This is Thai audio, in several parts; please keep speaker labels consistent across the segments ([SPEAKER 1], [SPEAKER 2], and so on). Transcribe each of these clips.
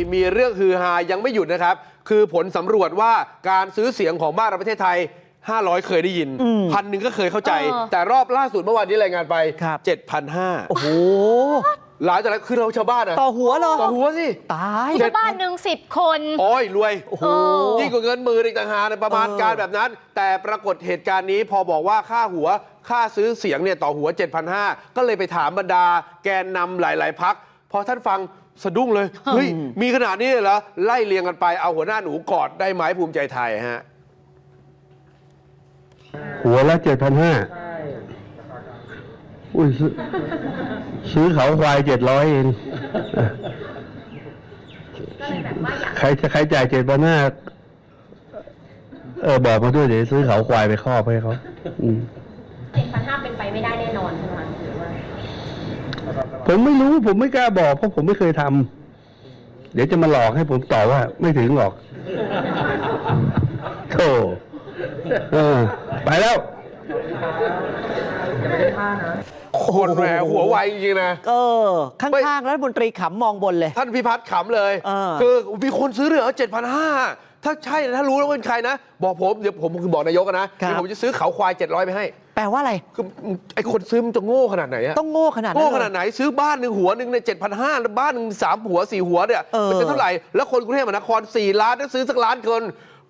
[SPEAKER 1] มีเรื่องฮือฮายังไม่หยุดนะครับคือผลสำรวจว่าการซื้อเสียงของบ้านเราประเทศไทย500เคยได้ยิน1,000ก็เคยเข้าใจแต่รอบล่าสุดเมื่อวานนี้รายงานไป 7,500
[SPEAKER 2] โอ้โห
[SPEAKER 1] หลายจากนั้นคือเราชาวบ้านนะ
[SPEAKER 2] ต่อหัวเหรอ
[SPEAKER 1] ต่อหัวสิ
[SPEAKER 2] ตาย
[SPEAKER 3] ชาวบ้านหนึ่ง10 คน
[SPEAKER 1] โอ้ยรวย
[SPEAKER 2] โอ้โห
[SPEAKER 1] ยิ่งกว่าเงินมืออีกต่างหากประมาณการแบบนั้นแต่ปรากฏเหตุการณ์นี้พอบอกว่าค่าซื้อเสียงเนี่ยต่อหัว 7,500 ก็เลยไปถามบรรดาแกนนำหลายๆพรรคพอท่านฟังสะดุ้งเลยเฮ้ยมีขนาดนี้เหรอไล่เรียงกันไปเอาหัวหน้าหนูกอดได้ไหมภูมิใจไทยฮะ
[SPEAKER 4] หัวละ 7,500 อุ้ยซื้อเขาควาย700เองใครจ่าย7,500บอกมาด้วยเดี๋ยวซื้อเขาควายไปครอบให้เขา
[SPEAKER 3] 7,500เป็นไปไม่ได้แน่นอนใช่ไหมหรือว่า
[SPEAKER 4] ผมไม่รู้ผมไม่กล้าบอกเพราะผมไม่เคยทำเดี๋ยวจะมาหลอกให้ผมตอบว่าไม่ถึงหรอกโธ่ไปแล้ว
[SPEAKER 1] คนแหมหัวไวจริงๆนะ
[SPEAKER 2] ข้างๆรัฐมนตรีขำมองบนเลย
[SPEAKER 1] ท่านพิพัฒน์ขำเลยคือมีคนซื้อเหลือ 7,500 ถ้าใช่ถ้ารู้แล้วเป็นใครนะบอกผมเดี๋ยวผมคือบอกนายกนะเดี๋ยวผมจะซื้อเขาควาย700ไปให้
[SPEAKER 2] แปลว่าอะไร
[SPEAKER 1] คือไอ้คนซื้อมันจะโง่ขนาดไหนอะ
[SPEAKER 2] ต้องโง่ขนาด
[SPEAKER 1] ไหนซื้อบ้านหนึ่งหัวหนึ่งใน 7,500 แล้วบ้านหนึ่ง3 หัว 4 หัวเนี่ยมันจะเท่าไหร่แล้วคนกรุงเทพมหานคร4 ล้านถ้าซื้อสักล้านคน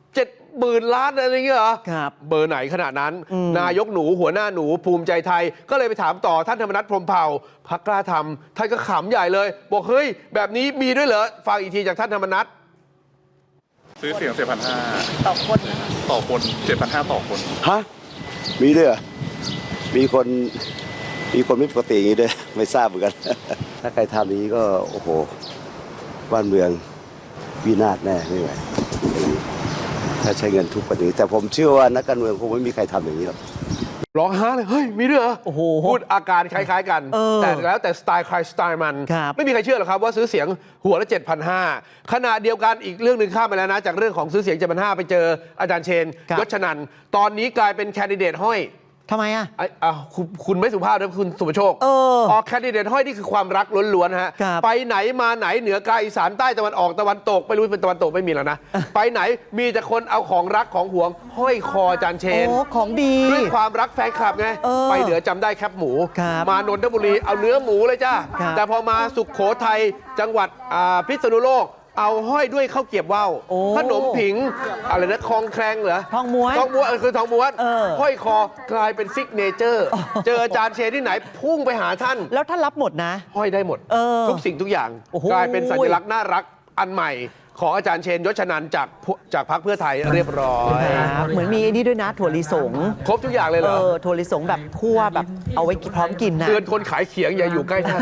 [SPEAKER 1] 70,000 ล้านอะไรเงี้ยเหรอเบอร์ไหนขนาดนั้นนายกหนูหัวหน้าหนูภูมิใจไทยก็เลยไปถามต่อท่านธรรมนัสพรหมเผ่าพรรคกล้าทำท่านก็ขำใหญ่เลยบอกเฮ้ยแบบนี้มีด้วยเหรอฟังอีกทีจากท่านธรรมนัส
[SPEAKER 5] ซื้อเสียง 7,500 ต่อคนต่อคน 7,500 ต่อคน
[SPEAKER 6] ฮะมีด้วยเหรอมีคนไม่ปกติอย่างนี้ด้วยไม่ทราบเหมือนกันถ้าใครทำนี้ก็โอ้โหบ้านเมืองวินาศแน่ไม่ไหวถ้าใช้เงินทุกประเด็นแต่ผมเชื่อว่านักการเมืองคงไม่มีใครทำอย่างนี้หรอก
[SPEAKER 1] ร้องไห้เลยเฮ้ยมีด้วยเหรอพูดอาการคล้ายๆกันแต่แล้วแต่สไตล์ใครสไตล์มันไม่มีใครเชื่อหรอกครับว่าซื้อเสียงหัวละ 7,500 ขณะเดียวกันอีกเรื่องหนึ่งข้ามไปแล้วนะจากเรื่องของซื้อเสียง 7,500 ไปเจออาจารย์เชนยศชนันท์ตอนนี้กลายเป็นแคนดิเดตห้อย
[SPEAKER 2] ทำไมอ่ะ
[SPEAKER 1] คุณไม่สุภาพนะคุณสุภโชคออกแคนดิเดตห้อยนี่คือความรักล้วนๆฮะไปไหนมาไหนเหนือกลางอีสานใต้ตะวันออกตะวันตกไม่รู้เป็นตะวันตกไม่มีแล้วนะไปไหนมีแต่คนเอาของรักของหวงห้อยคออาจารย์เชน
[SPEAKER 2] ของดี
[SPEAKER 1] ด้วยความรักแฟนคลับไงไปเหนือจำได้แคบหมูมานนทบุรีเอาเนื้อหมูเลยจ้าแต่พอมาสุโขทัยจังหวัดพิษณุโลกเอาห้อยด้วยข้าวเกรี๊ยวว่าวขนมผิงอะไรนะคลองแคลงเหรอ
[SPEAKER 2] ทองม้วน
[SPEAKER 1] คือทองม้วนห้อยคอกลายเป็นซิกเนเจอร์เจออาจารย์เชนที่ไหนพุ่งไปหาท่าน
[SPEAKER 2] แล้วท่านรับหมดนะ
[SPEAKER 1] ห้อยได้หมดทุกสิ่งทุกอย่างกลายเป็นสัญลักษณ์น่ารักอันใหม่ของอาจารย์เชนยศชนันท์จากพรรคเพื่อไทยเรียบร้อย
[SPEAKER 2] เหมือนมีนี่ด้วยนะถั่วลิสง
[SPEAKER 1] ครบทุกอย่างเลยเหรอ
[SPEAKER 2] ถั่วลิสงแบบคั่วแบบเอาไว้พร้อมกินนะ
[SPEAKER 1] เตือนคนขายเขียงอย่าอยู่ใกล้ท่าน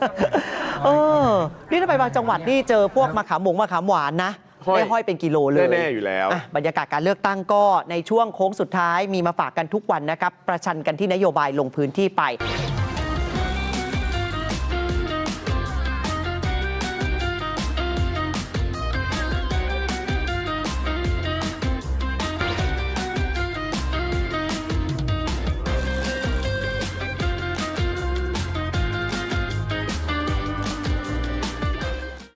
[SPEAKER 2] นี่ถ้าไปบางจังหวัดนี่เจอพวกมะขามหวานนะได้ห้อยเป็นกิโลเลย
[SPEAKER 1] แน่ๆอยู่แล้ว
[SPEAKER 2] บรรยากาศการเลือกตั้งก็ในช่วงโค้งสุดท้ายมีมาฝากกันทุกวันนะครับประชันกันที่นโยบายลงพื้นที่ไป